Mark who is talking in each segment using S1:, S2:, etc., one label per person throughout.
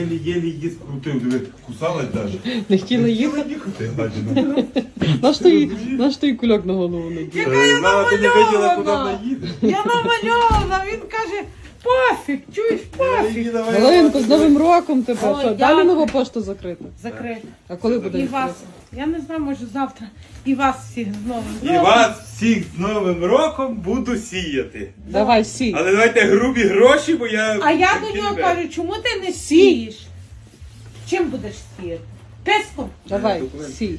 S1: Єлі її скрутив, диви, кусалась навіть.
S2: Не хотіла їхати?
S1: їхати, гадіна.
S2: Наш той кульок на голову надів.
S3: Яка я
S1: Мама, ти не виділа, куди
S3: намальована.
S1: вона їде.
S3: Я намальована, він каже, пофіг, чуєш, пофіг.
S2: Галинко, з Новим роком тебе.
S3: Ой,
S2: Що,
S3: дякую.
S2: далі нова пошта закрита?
S3: Закрито.
S2: А коли буде
S3: І
S2: відкрита?
S3: вас, я не знаю, може завтра, і вас всіх з Новим
S1: І
S3: роком.
S1: вас всіх з Новим роком буду сіяти.
S2: Давай, сій.
S1: Але давайте грубі гроші, бо я...
S3: А я до нього кажу, чому ти не сієш? Чим будеш сіяти? Песком?
S2: Давай, сій.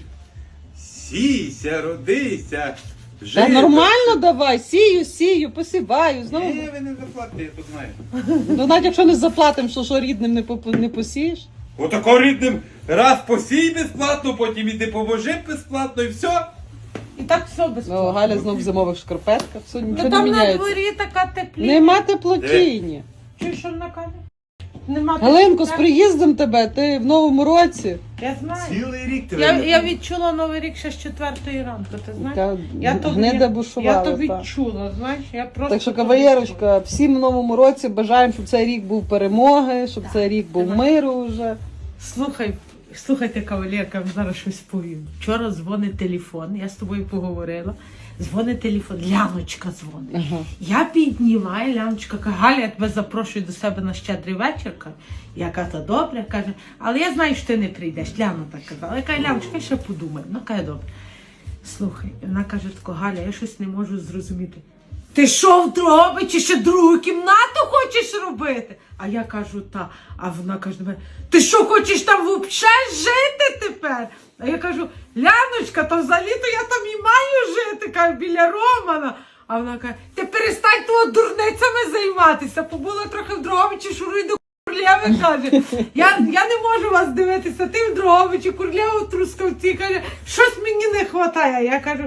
S1: Сійся, родися,
S2: Та
S1: жити.
S2: нормально давай, сію, посіваю. Знову.
S1: Ні, ви не заплатите, я тут знаю.
S2: Ну, навіть якщо не заплатимо, що рідним не посієш.
S1: Отако рідним раз посій безплатно, потім іди поможи безплатно і все.
S3: І так все
S2: Ну,
S3: безплатно.
S2: Галя знов в зимових шкарпетках, все, нічого
S3: Та
S2: не
S3: там на
S2: міняється.
S3: дворі така теплі.
S2: Нема теплотіння.
S3: Чуєш, що вона каже? Нема
S2: Галинко, з
S3: теплі.
S2: приїздом тебе, ти в новому році.
S3: Я знаю.
S1: Цілий рік тебе.
S3: Я відчула Новий рік ще з 4 ранку, ти знаєш?
S2: Та
S3: Я то,
S2: гнида
S3: я
S2: бушувала.
S3: то
S2: та.
S3: відчула, знаєш, я просто...
S2: Так що, кавалерочка, всім в новому році бажаємо, щоб цей рік був перемоги, щоб цей рік був
S3: Давай.
S2: миру вже.
S3: Слухайте, кавалерка, я вам зараз щось повім. Вчора дзвонить телефон, я з тобою поговорила. Дзвонить телефон, Ляночка дзвонить.
S2: Ага.
S3: Я піднімаю, Ляночка каже, Галя, я тебе запрошую до себе на щедрий вечір. Каже. Я кажу, добре, каже, але я знаю, що ти не прийдеш. Ляна так казала. Я кажу, Ляночка, я ще подумаю. Вона каже, добре. Слухай, вона каже, тако, Галя, я щось не можу зрозуміти. Ти що в Дрогобичі ще другу кімнату хочеш робити? А я кажу, та. А вона каже до мене, ти що хочеш там взагалі жити тепер? А я кажу, Ляночка, то взагалі-то я там і маю жити, кажу, біля Романа. А вона каже, ти перестань того дурницями займатися. Побула трохи в Дрогобичі, шуруй до Курлєви, каже. Я не можу вас дивитися, ти в Дрогобичі, Курлєва в Трускавці, каже, щось мені не вистачає. А я кажу,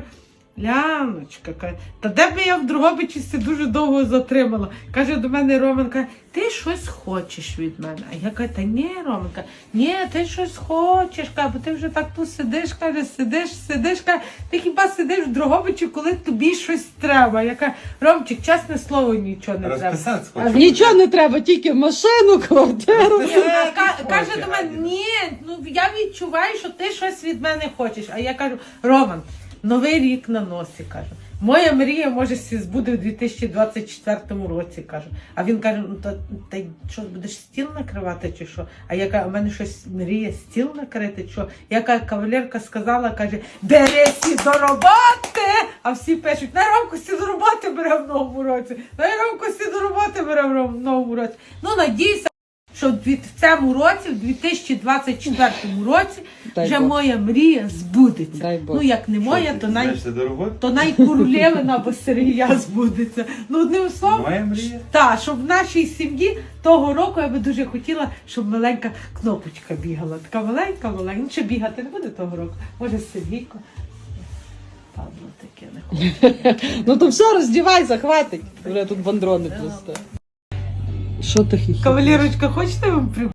S3: Ляночка, каже, та де би я в Дрогобичі дуже довго затримала. Каже до мене Роман, каже, ти щось хочеш від мене. А я кажу, та ні, Роман, каже, ні, ти щось хочеш, каже, бо ти вже так тут сидиш, каже, сидиш, каже, ти хіба сидиш в Дрогобичі, коли тобі щось треба. Я кажу, Ромчик, чесне слово, нічого не треба.
S1: Розписатися хочу.
S2: Нічого не треба, тільки машину, квартиру.
S3: Ні, каже до мене, ні, ну я відчуваю, що ти щось від мене хочеш. А я кажу, Роман, Новий рік на носі, кажу. Моя мрія, може, збуде у 2024 році, кажу. А він каже, ну та що, будеш стіл накривати чи що? А я кажу, у мене щось мріє стіл накрити, що? Яка кавалерка сказала, каже, берися до роботи! А всі пишуть, на Ромку всі до роботи бере в новому році. На Ромку всі до роботи бере в новому році. Ну, надійся, що в цьому році, в 2024 році,
S2: Дай
S3: вже
S2: Бог.
S3: моя мрія збудеться.
S2: Дай Бог.
S3: Ну, як не моя,
S1: Що,
S3: то
S1: ти знаєшся до роботи?
S3: то Курлєвина або Сергія збудеться. Ну, одним словом,
S1: Моя мрія?
S3: так, щоб в нашій сім'ї того року я би дуже хотіла, щоб маленька кнопочка бігала. Така маленька. Ну, чи бігати не буде того року? Може, Сергійко? Падло таке не хоче.
S2: Ну то все, роздівайся, хватить. Вже тут бандрони просто. Що ти хіхі?
S3: Кавалерочка, хочете вам